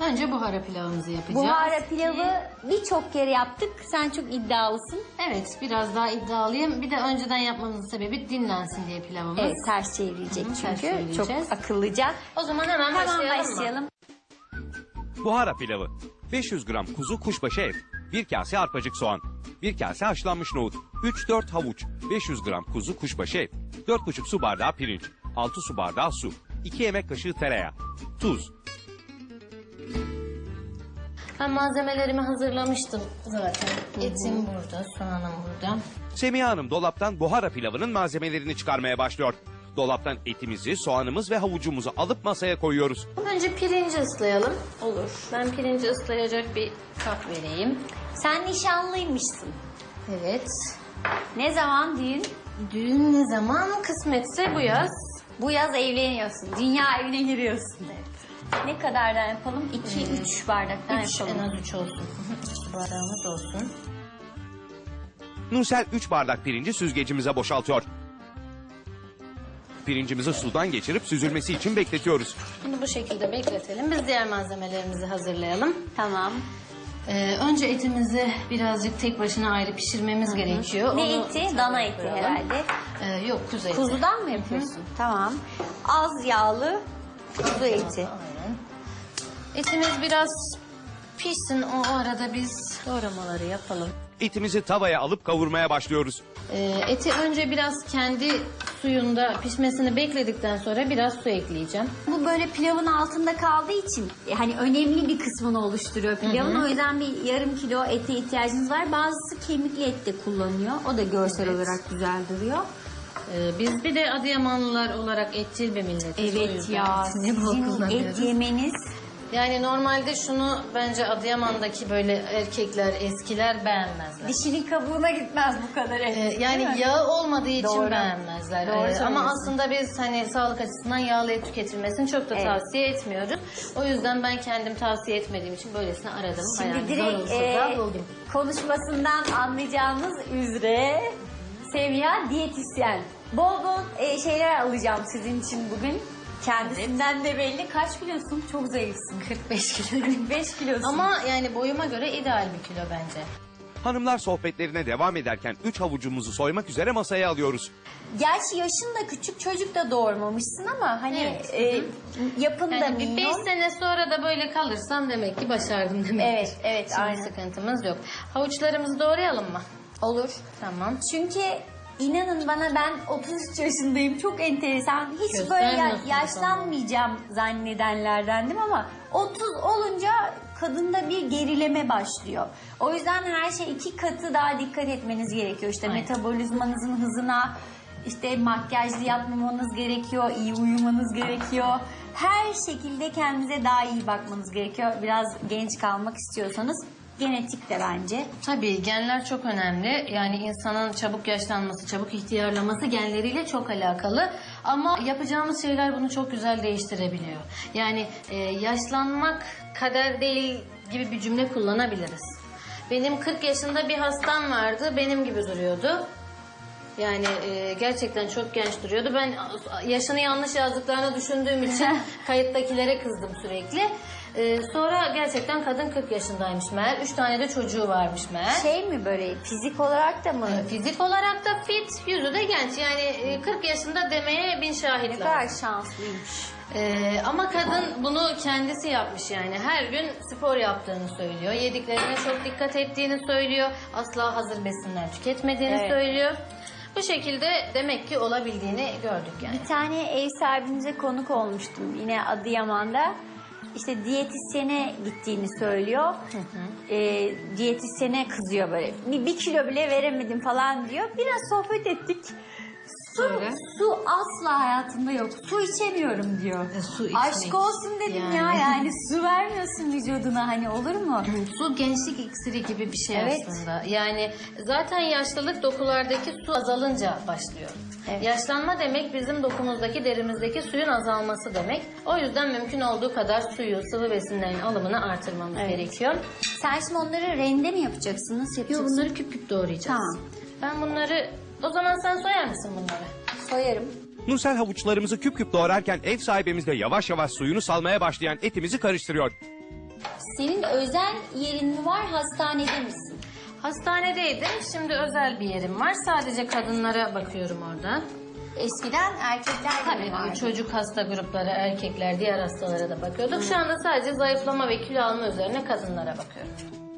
Önce buhara pilavımızı yapacağız. Buhara pilavı birçok kere yaptık. Sen çok iddialısın. Evet, biraz daha iddialıyım. Bir de önceden yapmamızın sebebi dinlensin diye pilavımız. Evet, ters çevirecek Ters çünkü. çevireceğiz. Çok akıllıca. O zaman hemen başlayalım mı? Buhara pilavı. 500 gram kuzu kuşbaşı et, 1 kase arpacık soğan, 1 kase haşlanmış nohut, 3-4 havuç, 500 gram kuzu kuşbaşı et, 4,5 su bardağı pirinç, 6 su bardağı su, 2 yemek kaşığı tereyağı, tuz. Ben malzemelerimi hazırlamıştım zaten. Etim burada, soğanım burada. Semiha Hanım dolaptan buhara pilavının malzemelerini çıkarmaya başlıyor. Dolaptan etimizi, soğanımız ve havucumuzu alıp masaya koyuyoruz. Önce pirinci ıslayalım. Olur. Ben pirinci ıslayacak bir kap vereyim. Sen nişanlıymışsın. Evet. Ne zaman düğün? Düğün ne zaman? Kısmetse bu yaz. Bu yaz evleniyorsun. Dünya evine giriyorsun. Ne kadardan yapalım? 2-3 bardaktan 3, yapalım. en az 3 olsun. 3 bardağımız olsun. Nursel 3 bardak pirinci süzgecimize boşaltıyor. Pirincimizi sudan geçirip süzülmesi için bekletiyoruz. Bunu bu şekilde bekletelim. Biz diğer malzemelerimizi hazırlayalım. Tamam. Önce etimizi birazcık tek başına ayrı pişirmemiz gerekiyor. Ne Onu eti? Dana eti koyalım. herhalde. Yok, kuzu eti. Kuzudan mı yapıyorsun? Tamam. Az yağlı kuzu eti. Aynen. Etimiz biraz pişsin. O arada biz doğramaları yapalım. Etimizi tavaya alıp kavurmaya başlıyoruz. Eti önce biraz kendi suyunda pişmesini bekledikten sonra biraz su ekleyeceğim. Bu böyle pilavın altında kaldığı için hani önemli bir kısmını oluşturuyor pilavın. O yüzden bir yarım kilo ete ihtiyacınız var. Bazısı kemikli et de kullanıyor. O da görsel olarak güzel duruyor. Biz bir de Adıyamanlılar olarak etçil bir milletiz. O Evet yüzden ya, etini bol sizin kullanıyoruz. et yemeniz Yani normalde şunu bence Adıyaman'daki böyle erkekler, eskiler beğenmezler. dişinin kabuğuna gitmez bu kadar et. değil Yani mi? yağı olmadığı için Doğru. beğenmezler. Doğru Ama söylüyorsun. aslında biz hani sağlık açısından yağlı et tüketilmesini çok da Evet. tavsiye etmiyoruz. O yüzden ben kendim tavsiye etmediğim için böylesine aradım. Şimdi Bayağı zor direkt olsa da buldum. konuşmasından anlayacağınız üzere Semiha diyetisyen. Bol bol şeyler alacağım sizin için bugün. Kendisinden de belli. Kaç kilosun? Çok zayıfsın. 45 kilo. 45 kilosun. Ama yani boyuma göre ideal bir kilo bence. Hanımlar sohbetlerine devam ederken 3 havucumuzu soymak üzere masaya alıyoruz. Gerçi yaşın da küçük, çocuk da doğurmamışsın ama hani Evet. yapın da Yani bir 5 minyon. sene sonra da böyle kalırsam demek ki başardım demek. Evet, evet, Şimdi aynen. sıkıntımız yok. Havuçlarımızı doğrayalım mı? Olur. Tamam. Çünkü inanın bana ben 33 yaşındayım. Çok enteresan. Hiç böyle Göstermiyorsun yaşlanmayacağım zannedenlerdendim ama 30 olunca kadında bir gerileme başlıyor. O yüzden her şey 2 katı daha dikkat etmeniz gerekiyor. İşte Aynen. metabolizmanızın hızına, işte makyajlı yapmamanız gerekiyor, iyi uyumanız gerekiyor. Her şekilde kendinize daha iyi bakmanız gerekiyor. Biraz genç kalmak istiyorsanız. Genetik de bence. Tabii genler çok önemli. Yani insanın çabuk yaşlanması, çabuk ihtiyarlaması genleriyle çok alakalı. Ama yapacağımız şeyler bunu çok güzel değiştirebiliyor. Yani yaşlanmak kader değil gibi bir cümle kullanabiliriz. Benim 40 yaşında bir hastam vardı. Benim gibi duruyordu. Yani gerçekten çok genç duruyordu. Ben yaşını yanlış yazdıklarını düşündüğüm için kayıttakilere kızdım sürekli. Sonra gerçekten kadın 40 yaşındaymış meğer. 3 tane de çocuğu varmış meğer. Şey mi böyle fizik olarak da mı? Fizik olarak da fit, yüzü de genç. Yani 40 yaşında demeye bin Ne şahit kadar lazım. şanslıymış. Ama kadın bunu kendisi yapmış yani. Her gün spor yaptığını söylüyor. Yediklerine çok dikkat ettiğini söylüyor. Asla hazır besinler tüketmediğini Evet. söylüyor. Bu şekilde demek ki olabildiğini gördük yani. Bir tane ev sahibimize konuk olmuştum yine Adıyaman'da. İşte diyetisyene gittiğini söylüyor. Diyetisyene kızıyor böyle. Bir kilo bile veremedim falan diyor. Biraz sohbet ettik. Söyle. Su asla hayatımda yok. Su içemiyorum diyor. Su içmek. Aşk olsun dedim Yani. yani su vermiyorsun vücuduna hani olur mu? Su gençlik iksiri gibi bir şey Evet. aslında. Yani zaten yaşlılık dokulardaki su azalınca başlıyor. Evet. Yaşlanma demek bizim dokumuzdaki, derimizdeki suyun azalması demek. O yüzden mümkün olduğu kadar suyu, sıvı besinlerin alımını artırmamız gerekiyor. Sen şimdi onları rende mi yapacaksın? Nasıl Yo, yapacaksın? bunları küp küp doğrayacağız. Tamam. Ben bunları... O zaman sen soyar mısın bunları? Soyarım. Nursel havuçlarımızı küp küp doğrarken ev sahibimiz de yavaş yavaş suyunu salmaya başlayan etimizi karıştırıyor. Senin özel yerin mi var, hastanede misin? Hastanedeydim. Şimdi özel bir yerim var. Sadece kadınlara bakıyorum orada. Eskiden erkekler de mi Tabii vardı? çocuk hasta grupları, erkekler, diğer hastalara da bakıyorduk. Şu anda sadece zayıflama ve kilo alma üzerine kadınlara bakıyorum.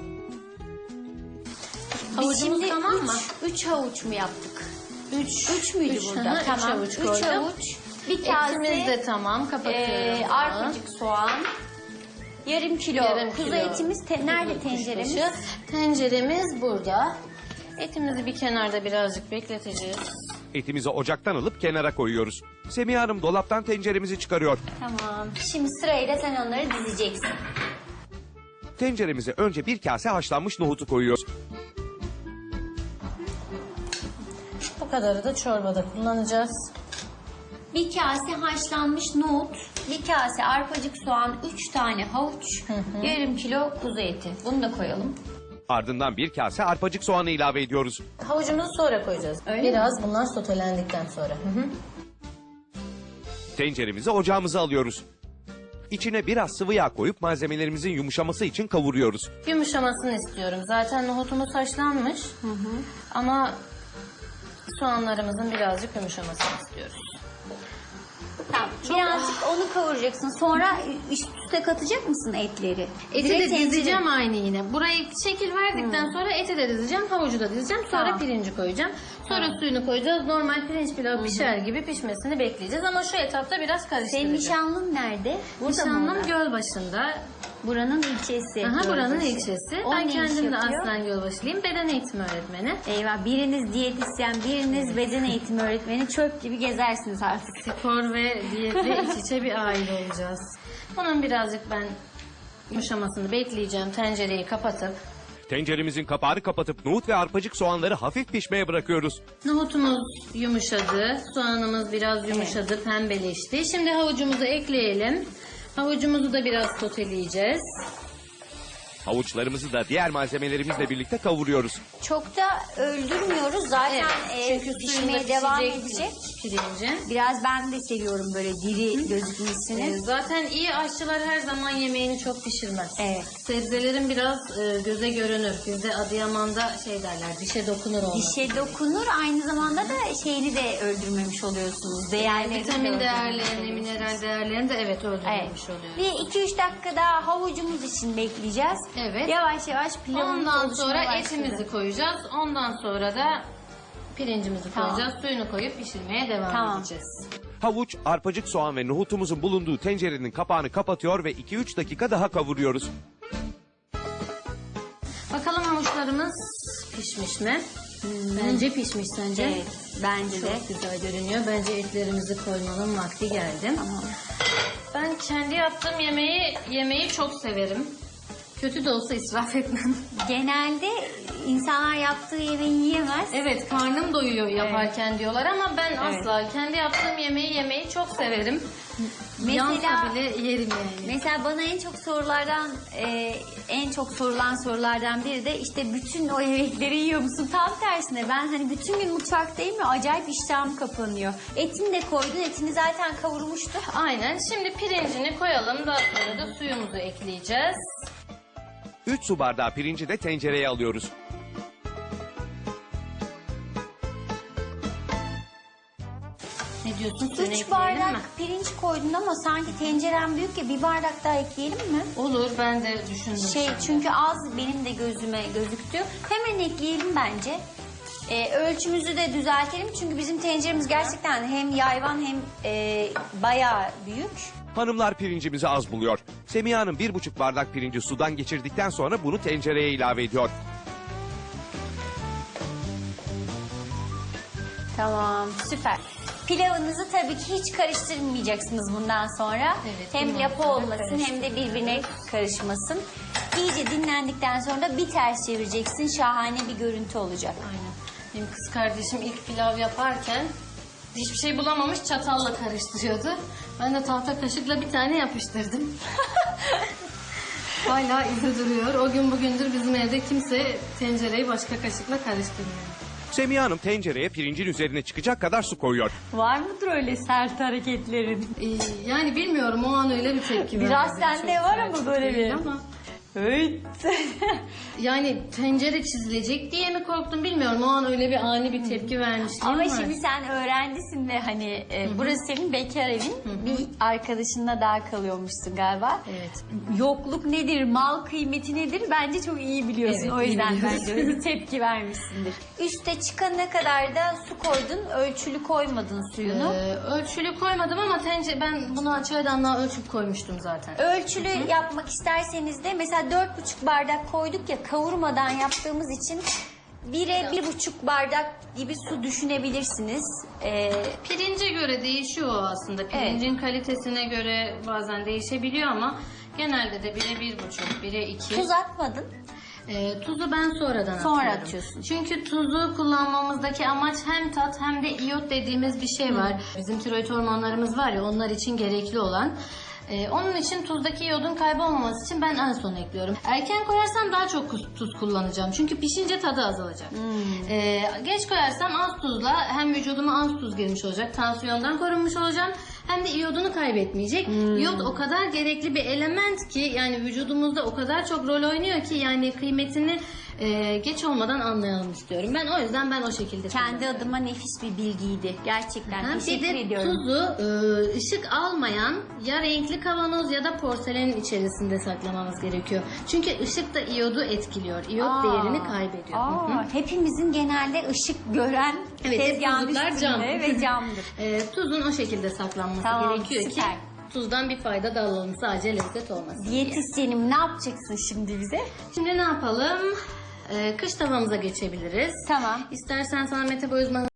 Biz Havucumuz şimdi tamam mı? 3 havuç mu yaptık? 3 müydü Üç, burada? hı hı, üç Tamam. havuç 3 koydum. havuç. Bir kase Etimiz de tamam. Kapatıyorum. bunu. arpacık soğan. Yarım kilo Yarım kuzu kilo etimiz. Nerede kuzu tenceremiz? kuşbaşı. Tenceremiz burada. Etimizi bir kenarda birazcık bekleteceğiz. Etimizi ocaktan alıp kenara koyuyoruz. Semiha Hanım dolaptan tenceremizi çıkarıyor. Tamam. Şimdi sırayla sen onları dizeceksin. Tenceremize önce bir kase haşlanmış nohutu koyuyoruz. Bu kadarı da çorbada kullanacağız. Bir kase haşlanmış nohut, bir kase arpacık soğan, 3 tane havuç, yarım kilo kuzu eti. Bunu da koyalım. Ardından bir kase arpacık soğanı ilave ediyoruz. Havucumuzu sonra koyacağız. Öyle Biraz bunlar sotelendikten sonra. Tenceremizi ocağımıza alıyoruz. İçine biraz sıvı yağ koyup malzemelerimizin yumuşaması için kavuruyoruz. Yumuşamasını istiyorum. Zaten nohutumuz haşlanmış. Ama soğanlarımızın birazcık yumuşamasını istiyoruz. Tamam. Birazcık onu kavuracaksın. Sonra üst üste katacak mısın etleri? Eti Direkt de tencere- dizeceğim aynı yine. Burayı şekil verdikten sonra eti de dizeceğim, havucu da dizeceğim. Sonra Tamam. pirinci koyacağım. Sonra suyunu koyacağız. Normal pirinç pilavı pişer gibi pişmesini bekleyeceğiz. Ama şu etapta biraz Senin karıştıracağız. nişanlın nerede? Burada mı Nişanlım orada? Gölbaşı'nda. Buranın ilçesi. Aha, buranın Gölbaşı. ilçesi. O Ben ne iş kendim de yapıyor? aslen Gölbaşılıyım. Beden eğitimi öğretmeni. Eyvah, biriniz diyetisyen, biriniz beden eğitimi öğretmeni, çöp gibi gezersiniz artık. Spor ve diyetle iç içe bir aile olacağız. Bunun birazcık ben yumuşamasını bekleyeceğim. Tencereyi kapatıp. Tenceremizin kapağını kapatıp nohut ve arpacık soğanları hafif pişmeye bırakıyoruz. Nohutumuz yumuşadı. Soğanımız biraz yumuşadı, pembeleşti. Şimdi havucumuzu ekleyelim. Havucumuzu da biraz soteleyeceğiz. Havuçlarımızı da diğer malzemelerimizle birlikte kavuruyoruz. Çok da öldürmüyoruz. Zaten Çünkü pişmeye suyunda devam pişecek edecek. pirinci. Biraz ben de seviyorum böyle diri gözükmesini. Zaten iyi aşçılar her zaman yemeğini çok pişirmez. Evet. Sebzelerin biraz göze görünür. Bizde Adıyaman'da şey derler, dişe dokunur onlar. Dişe dokunur, aynı zamanda da şeyini de öldürmemiş oluyorsunuz. Değerlerini de Vitamin öldürmemiş değerlerini, oluyorsunuz. mineral değerlerini de evet Evet. öldürmemiş oluyoruz. Bir 2-3 dakika daha havucumuz için bekleyeceğiz. Evet. Yavaş yavaş pilavımız Ondan oluşmaya sonra başladı. etimizi koyacağız. Ondan sonra da pirincimizi Tamam. koyacağız. Suyunu koyup pişirmeye devam Tamam. edeceğiz. Havuç, arpacık soğan ve nohutumuzun bulunduğu tencerenin kapağını kapatıyor ve 2-3 dakika daha kavuruyoruz. Bakalım havuçlarımız pişmiş mi? Bence pişmiş sence? Evet, bence de. Çok güzel görünüyor. Bence etlerimizi koymanın vakti geldi. Tamam. Ben kendi yaptığım yemeği çok severim. Kötü de olsa israf etmem. Genelde insanlar yaptığı yemeği yiyemez. Evet, karnım doyuyor yaparken diyorlar ama ben asla kendi yaptığım yemeği çok severim. Yansa bile yerim yani. Mesela bana en çok sorulan sorulardan biri de işte bütün o yemekleri yiyor musun? Tam tersine ben hani bütün gün mutfaktayım ve acayip iştahım kapanıyor. Etini de koydun, etini zaten kavurmuştuk. Aynen. Şimdi pirincini koyalım. Daha sonra da suyumuzu ekleyeceğiz. 3 su bardağı pirinci de tencereye alıyoruz. Ne diyorsun? Suyunu 3 ekleyelim bardak mi? pirinç koydun ama sanki tenceren büyük ya, bir bardak daha ekleyelim mi? Olur, ben de düşündüm. şimdi. Çünkü az benim de gözüme gözüktü. Hemen ekleyelim bence. Ölçümüzü de düzeltelim çünkü bizim tenceremiz gerçekten hem yayvan hem bayağı büyük. Hanımlar pirincimizi az buluyor. Semiha Hanım 1,5 bardak pirinci sudan geçirdikten sonra bunu tencereye ilave ediyor. Tamam, süper. Pilavınızı tabii ki hiç karıştırmayacaksınız bundan sonra. Evet, Hem bundan lapa sonra olmasın hem de birbirine karışmasın. İyice dinlendikten sonra da bir ters çevireceksin. Şahane bir görüntü olacak. Aynen. Benim kız kardeşim ilk pilav yaparken hiçbir şey bulamamış, çatalla karıştırıyordu. Ben de tahta kaşıkla bir tane yapıştırdım. Hala izi duruyor. O gün bugündür bizim evde kimse tencereyi başka kaşıkla karıştırmıyor. Semiha Hanım tencereye pirincin üzerine çıkacak kadar su koyuyor. Var mıdır öyle sert hareketlerin? Yani bilmiyorum, o an öyle bir tepki Biraz verdim. sende Çok var sert ama böyle değil bir. ama Evet. Yani tencere çizilecek diye mi korktum bilmiyorum. O an öyle bir ani bir tepki vermiştim. Ama şimdi sen öğrencisin ve hani burası senin bekar evin. Bir arkadaşınla daha kalıyormuşsun galiba. Evet. Yokluk nedir, mal kıymeti nedir bence çok iyi biliyorsun. Evet, o iyi yüzden biliyoruz. bence öyle bir tepki vermişsindir. Üste çıkana kadar da su koydun, ölçülü koymadın suyunu. Ölçülü koymadım ama ben bunu çaydanlığa ölçüp koymuştum zaten. Ölçülü yapmak isterseniz de mesela 4,5 bardak koyduk ya, kavurmadan yaptığımız için 1'e 1,5 bardak gibi su düşünebilirsiniz. Pirince göre değişiyor o aslında. Pirincin kalitesine göre bazen değişebiliyor ama genelde de 1'e 1,5, 1'e 2. Tuz atmadın. Tuzu ben sonradan Sonra atıyorum. atıyorsun. Çünkü tuzu kullanmamızdaki amaç hem tat hem de iyot dediğimiz bir şey var. Bizim tiroid hormonlarımız var ya, onlar için gerekli olan. Onun için tuzdaki iyodun kaybolmaması için ben en son ekliyorum. Erken koyarsam daha çok tuz kullanacağım. Çünkü pişince tadı azalacak. Geç koyarsam az tuzla hem vücuduma az tuz girmiş olacak. Tansiyondan korunmuş olacağım. Hem de iyodunu kaybetmeyecek. İyot o kadar gerekli bir element ki, yani vücudumuzda o kadar çok rol oynuyor ki, yani kıymetini geç olmadan anlayalım istiyorum. O yüzden o şekilde Kendi adıma nefis bir bilgiydi. Gerçekten bir teşekkür de ediyorum. tuzu ışık almayan ya renkli kavanoz ya da porselenin içerisinde saklamamız gerekiyor. Çünkü ışık da iyodu etkiliyor. İyot değerini kaybediyor. Hepimizin genelde ışık gören Evet, tezgahın tuzluklar üstünde cam. ve camdır. Tuzun o şekilde saklanması Tamam, gerekiyor süper. ki tuzdan bir fayda da alalım. Sadece lezzet olmasın diye. Diyetisyenim, ne yapacaksın şimdi bize? Şimdi ne yapalım? Kış tavamıza geçebiliriz. Tamam. İstersen sana metabolizma